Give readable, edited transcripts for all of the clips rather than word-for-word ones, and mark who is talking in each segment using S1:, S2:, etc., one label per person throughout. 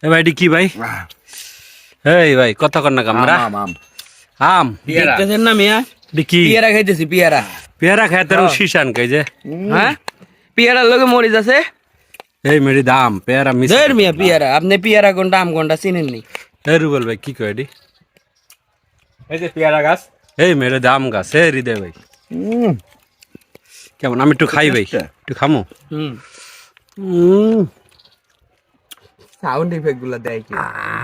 S1: এ ভাই এটি কি ভাই? এই ভাই কথা কর না কামরা। আম
S2: দেখতেছেন না মিয়া?
S1: এটি কি?
S2: পিয়ারা খাইতেছি পিয়ারা।
S1: পেয়ারা খায় তার শিশান খাই যে।
S2: হ্যাঁ পিয়ারার লগে মরিচ আছে।
S1: এই মেরি দাম পেয়ারা মিস।
S2: ধর মিয়া পিয়ারা, আপনি পিয়ারা কোনটা আম কোনটা চিনেননি?
S1: এই রুবেল ভাই কি কয় এটি?
S3: এই যে পেয়ারা গাছ।
S1: এই মেরে দাম গাছ। এই হৃদয় ভাই কেমন? আমি একটু খাই ভাই, একটু খামো।
S2: সাউন্ড ইফেক্ট গুলা দেয় কি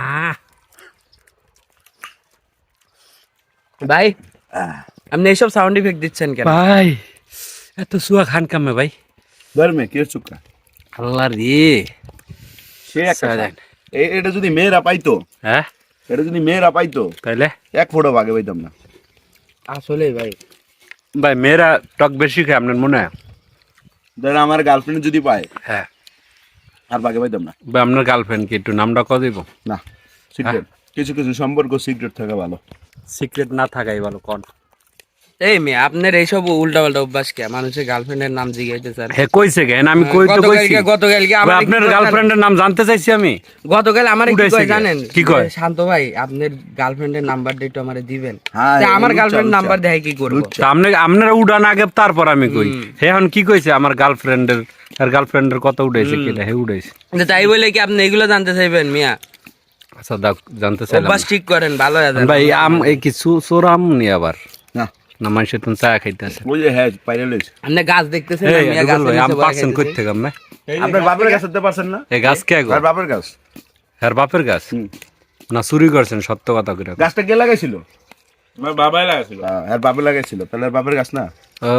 S2: ভাই? আপনি এইসব সাউন্ড ইফেক্ট দিচ্ছেন কেন
S1: ভাই? এত সুয়া খান কামে ভাই।
S3: ধর্মে কে চুক্কা
S1: আল্লাহ রে।
S3: সে একটা এটা যদি মেয়েরা পাইতো,
S1: হ্যাঁ
S3: এটা যদি মেয়েরা পাইতো
S1: তাইলে
S3: এক ফোঁটা ভাগে পাইতাম না।
S2: আসলে ভাই
S1: ভাই মেয়েরা টক বেশি খায় আপনার মনে হয়?
S3: ধরেন আমার গার্লফ্রেন্ড যদি পায়
S1: হ্যাঁ
S3: আর ভাগে পাইতাম না।
S1: ভাই আপনার গার্লফ্রেন্ড কি একটু নামটা কত দিব?
S3: না সিক্রেট, কিছু কিছু সম্পর্ক সিক্রেট থাকা ভালো।
S1: সিক্রেট না থাকাই ভালো কোন।
S2: এই মেয়ে আপনার এইসব উল্টা পাল্টা অভ্যাস কে? মানুষের গার্লফ্রেন্ডের নাম জিজ্ঞাসা স্যার।
S1: হে কইছে কেন? আমি কই তো কইছি।
S2: গতকালকে
S1: ভাই, আপনার গার্লফ্রেন্ডের নাম জানতে চাইছি আমি।
S2: গতকাল আমারে কি
S1: উঠাইছে
S2: কয়
S1: কে?
S2: জানেন?
S1: কি কয়?
S2: শান্ত ভাই আপনার গার্লফ্রেন্ডের নাম্বারটা একটু আমারে দিবেন।
S3: হ্যাঁ,
S2: তা আমার
S3: লুচ্চা,
S2: গার্লফ্রেন্ড
S3: লুচ্চা।
S2: নাম্বার দেয় কি করব?
S1: তা আপনারা উড়ান আগে তারপর আমি কই। হে এখন কি কইছে? আমার গার্লফ্রেন্ডের আর গার্লফ্রেন্ডের কত উঠাইছে কেটা? হে উঠাইছে।
S2: তাই বলে কি আপনি এগুলো জানতে চাইবেন মিয়া?
S1: আচ্ছা দাও জানতে চাইলাম।
S2: অভ্যাস ঠিক করেন, ভালো হয়।
S1: ভাই আম এই কিছু চোর আম নি আবার
S3: না
S1: না মানুষের তুমি চা খাইতেছে।
S3: ওই যে হ্যাঁ পাইলে লইছে।
S2: আপনি গাছ দেখতেছেন না
S1: এই
S2: মিয়া?
S1: রুবেল
S2: গাছের
S1: ভাই আম
S2: নিচে বসে
S1: পাচ্ছেন কই
S2: খাইতেছি।
S1: থেকে আমি?
S3: আপনার বাপের গাছ হতে পারছেন না?
S1: এই গাছ কে গো?
S3: আর বাপের গাছ
S1: আর বাপের গাছ না চুরি করছেন? সত্য কথা কইরা কও।
S3: গাছটা কে লাগাইছিল?
S4: আমার বাবাই লাগাছিল।
S3: আর বাপে লাগাইছিল, তাহলে আর বাপের গাছ না?
S1: ও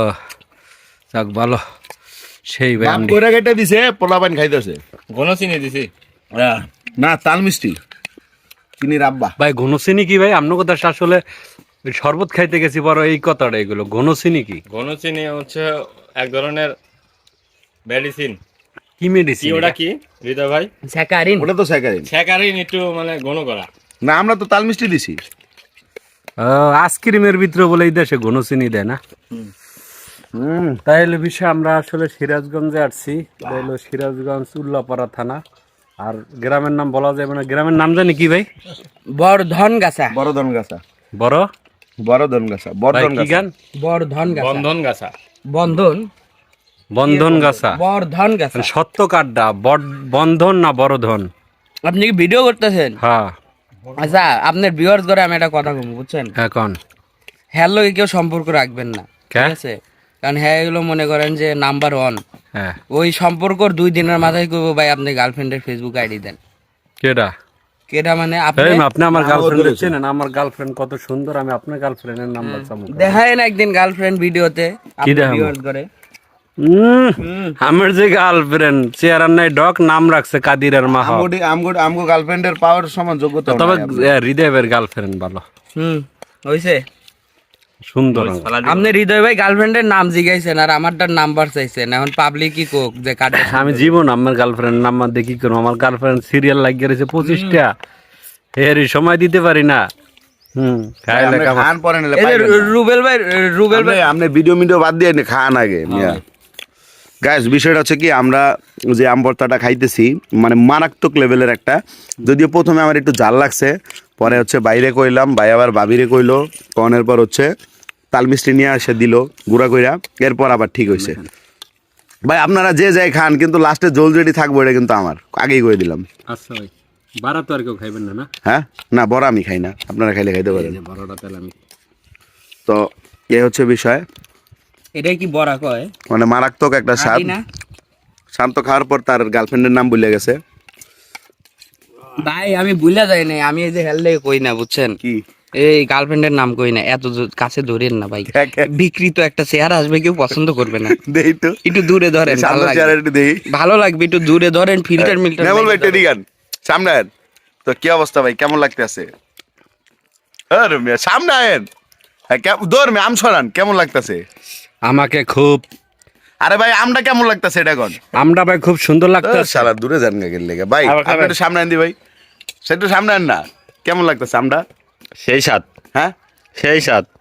S1: যাক ভালো। সেই ভাই
S3: বাপ
S1: আমি
S3: কইরা কেটে দিছে, পোলা পান খাইতেছে।
S4: ঘন চিনি দিছি।
S3: না তাল মিষ্টি চিনির আব্বা।
S1: ভাই ঘনচিনি কি ভাই? আপনার কথা আসলে ওই শরবত খাইতে গেছি বড় এই কথাটা এগুলো। ঘনচিনি কি?
S4: ঘন চিনি হচ্ছে এক ধরনের মেডিসিন।
S1: কি মেডিসিন?
S4: কি ওটা কি হৃদয় ভাই?
S2: স্যাকারিন।
S3: ওটা তো স্যাকারিন।
S4: স্যাকারিন একটু মানে ঘন করা।
S3: না আমরা তো তাল মিষ্টি দিছি।
S1: আইসক্রিমের ভিতরে বলে এই দেশে ঘনচিনি দেয় না। তাইলে বিষয় আমরা আসলে সিরাজগঞ্জে আসছি। তাইলে সিরাজগঞ্জ উল্লাপাড়া থানা। আর গ্রামের নাম বলা যাবে না। গ্রামের নাম জানি কি ভাই?
S2: বর্ধন গাছা।
S3: বড়ধন গাছা।
S1: বড়
S3: বড়ধন গাছা।
S1: ভাই
S3: বর্ধন
S1: কি
S3: গাছা।
S1: গান?
S2: বর্ধন গাছা।
S4: বন্ধন গাছা।
S2: বন্ধন।
S1: বন্ধন গাছা।
S2: বর্ধন গাছা।
S1: মানে সত্য কাড্ডা বন্ধন না বড়ধন?
S2: আপনি কি ভিডিও করতেছেন?
S1: হ্যাঁ
S2: আচ্ছা আপনার ভিউয়ার্স করে আমি একটা কথা বলবো বুঝছেন?
S1: এখন
S2: হ্যার লগে কেউ সম্পর্ক রাখবেন না,
S1: কে?
S2: ঠিক আছে? কারণ হ্যাঁ এগুলো মনে করেন যে নাম্বার 1।
S1: হ্যাঁ
S2: ওই সম্পর্কর 2 দিনের মাথায় করবো ভাই আপনি গার্লফ্রেন্ডের ফেসবুক আইডি দেন।
S1: কেডা?
S2: কেটা মানে
S1: এই
S2: আপনি
S1: আপনি আমার গার্লফ্রেন্ড চেনেন? আমার গার্লফ্রেন্ড কত সুন্দর। আমি আপনার গার্লফ্রেন্ডের নাম্বার চামু।
S2: দেখায় না একদিন গার্লফ্রেন্ড ভিডিওতে আপনি
S1: দেখাবো?
S2: ভিউয়ার্স করে।
S1: আমার যে গার্লফ্রেন্ড চেহারা নাই ডক নাম রাখছে কাদির আর মাহ।
S3: আমগো গার্লফ্রেন্ডের পাওয়ার সমান যোগ্যতা
S1: তবে হৃদয়ের গার্লফ্রেন্ড ভালো
S2: হইছে
S1: সুন্দর।
S2: আপনি হৃদয় ভাই গার্লফ্রেন্ডের নাম জিগাইছেন আর আমারটার নাম্বার চাইছেন। এখন পাবলিক কি কোক যে কাটে?
S1: আমি জীবন আমার গার্লফ্রেন্ড নাম্বার দেখি করবো? আমার গার্লফ্রেন্ড সিরিয়াল লাগিয়ে রয়েছে 25টা। এরই সময় দিতে পারি না। খাইলে
S3: খান পরে নিলে
S2: এই যে রুবেল ভাই
S3: আপনি ভিডিও বাদ দিয়ে খান আগে মিয়া। গাইস বিষয়টা হচ্ছে কি, আমরা যে আম ভর্তাটা খাইতেছি মানে মারাত্মক লেভেলের একটা। যদিও প্রথমে আমার একটু জাল লাগছে, পরে হচ্ছে বাইরে কইলাম, ভাই আবার ভাবিরে কইলো, কনের পর হচ্ছে তাল মিষ্টি নিয়ে এসে দিল গুঁড়া কইরা, এরপর আবার ঠিক হয়েছে। ভাই আপনারা যে যাই খান, কিন্তু লাস্টে জল যেটি থাকবো এটা কিন্তু আমার, আগেই কয়ে দিলাম।
S1: আচ্ছা ভাই বাড়া তো আর কেউ খাইবেন না? না
S3: হ্যাঁ না, বড় আমি খাই না, আপনারা খাইলে খাইতে পারেন।
S1: বড়টা তাহলে আমি
S3: তো এ হচ্ছে বিষয়,
S2: এটাই কি বড়া কয়?
S3: মানে মারাত্মক একটা স্বাদ।
S2: না
S3: শান্ত খাওয়ার পর তার গার্লফ্রেন্ডের নাম ভুলে গেছে।
S2: ভাই আমি ভুলে যাই নাই, আমি এই যে হেললে কই না বুঝছেন?
S3: কি
S2: এই গার্লফ্রেন্ডের নাম কই না, এত কাছে ধরেন না ভাই। বিকৃত একটা চেহারা আসবে, কেউ পছন্দ করবে না।
S3: দেই তো
S2: একটু দূরে ধরেন, ভালো
S3: শান্ত
S2: লাগবে।
S3: চেহারা একটু দেই।
S2: ভালো লাগবে, একটু দূরে ধরেন, ফিল্টার মিল্টার
S3: নেমল ভাই টেডি গান সামনে আয়েন। তো কি অবস্থা ভাই, কেমন লাগতেছে? আরে মিয়া সামনে আয়েন। হ্যাঁ দৌড় মে আম ছড়ান, কেমন লাগতেছে?
S1: আমাকে খুব
S3: আরে ভাই আমটা কেমন লাগতেছে এটা কোন?
S1: আমরা ভাই খুব সুন্দর লাগতেছে।
S3: সারা দূরে যান গেল লেগে ভাই, আপনি একটু সামনে আন দি ভাই, সেটা সামনে আন না। কেমন লাগতেছে আমটা?
S4: সেই স্বাদ,
S3: হ্যাঁ
S4: সেই স্বাদ।